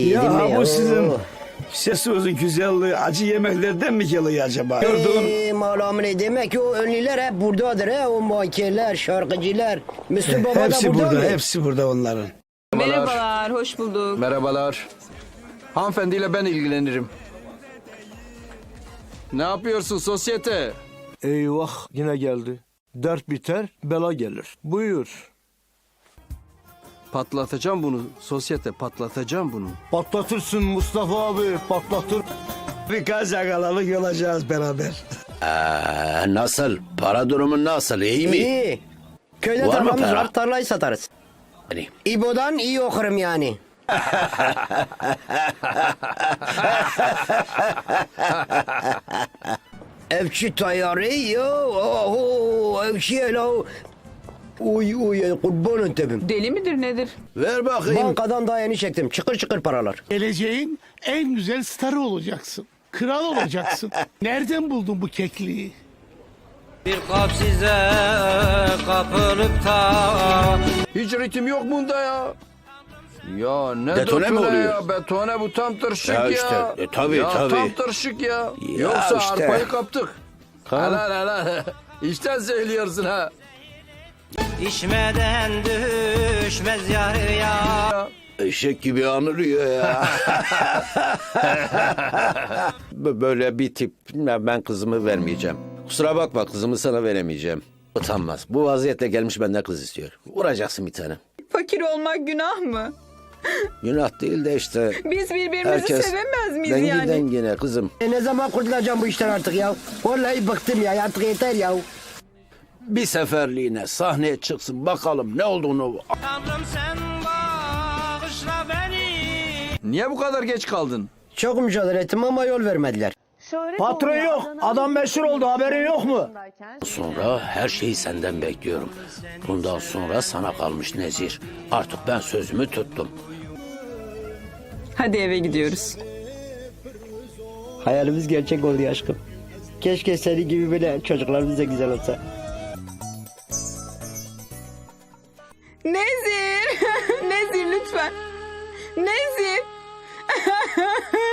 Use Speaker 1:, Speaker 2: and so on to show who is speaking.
Speaker 1: Yedim mi
Speaker 2: Ya
Speaker 1: ya?
Speaker 2: bu sizin sesinizin güzelliği acı yemeklerden mi geliyor acaba? Gördün.
Speaker 1: Malamı ne demek ki o ünlüler hep buradadır he. O mankenler, şarkıcılar. Müslüm Baba da
Speaker 2: Hepsi
Speaker 1: burada
Speaker 2: burada,
Speaker 1: mı?
Speaker 2: hepsi burada onların.
Speaker 3: Merhabalar, hoş bulduk.
Speaker 4: Merhabalar. Hanımefendiyle ben ilgilenirim. Ne yapıyorsun sosyete?
Speaker 5: Eyvah yine geldi. Dert biter, bela gelir. Buyur.
Speaker 4: Patlatacağım bunu sosyete, patlatacağım bunu.
Speaker 5: Patlatırsın Mustafa abi, patlatır.
Speaker 2: Birkaç yakalalık olacağız beraber.
Speaker 6: Nasıl? Para durumun nasıl? İyi mi?
Speaker 1: İyi. Köyde
Speaker 6: Var mı
Speaker 1: tarlamız
Speaker 6: para?
Speaker 1: var, tarlayı satarız.
Speaker 6: Hani
Speaker 1: İbo'dan iyi okurum yani. Evçi tayarı ya. Oho, evçi ya. Uy uy kurbanın tebim.
Speaker 3: Deli midir nedir?
Speaker 6: ver bakayım.
Speaker 1: Bankadan daha yeni çektim. Çıkır çıkır paralar.
Speaker 7: Geleceğin en güzel starı olacaksın. Kral olacaksın. Nereden buldun bu kekliği?
Speaker 8: Bir kap size kapılıp da
Speaker 4: Hiç ritim yok bunda ya. Ya ne
Speaker 6: Detone mi oluyor?
Speaker 4: ya? Betone bu tam tırşık ya.
Speaker 6: Ya işte, tabii,
Speaker 4: ya
Speaker 6: tabii.
Speaker 4: tam tırşık ya.
Speaker 6: Ya
Speaker 4: Yoksa
Speaker 6: işte.
Speaker 4: arpayı kaptık. Helal helal. İşten söylüyorsun ha.
Speaker 8: içmeden düşmez yarıya.
Speaker 6: Eşek gibi anırıyor ya. Böyle bir tip ben kızımı vermeyeceğim. Kusura bakma kızımı sana veremeyeceğim. Utanmaz. Bu vaziyetle gelmiş benden kız istiyor. Vuracaksın bir tane.
Speaker 3: Fakir olmak günah mı?
Speaker 6: Günah değil de işte.
Speaker 3: Biz birbirimizi
Speaker 6: Herkes
Speaker 3: sevemez miyiz
Speaker 6: dengi
Speaker 3: yani?
Speaker 6: dengine kızım.
Speaker 1: Ne zaman kurtulacağım bu işten artık ya? Vallahi bıktım ya. Artık yeter ya.
Speaker 6: Bir seferliğine sahneye çıksın bakalım ne olduğunu.
Speaker 8: Tanrım sen bağışla beni.
Speaker 4: Niye bu kadar geç kaldın?
Speaker 1: Çok mücadele ettim ama yol vermediler.
Speaker 5: Patron yok, adam meşhur oldu, haberin yok mu?
Speaker 6: Sonra her şeyi senden bekliyorum. Bundan sonra sana kalmış Nezir. Artık ben sözümü tuttum.
Speaker 3: Hadi eve gidiyoruz.
Speaker 1: Hayalimiz gerçek oldu aşkım. Keşke senin gibi böyle çocuklarımız da güzel olsa.
Speaker 3: Nezir! Nezir lütfen. Nezir!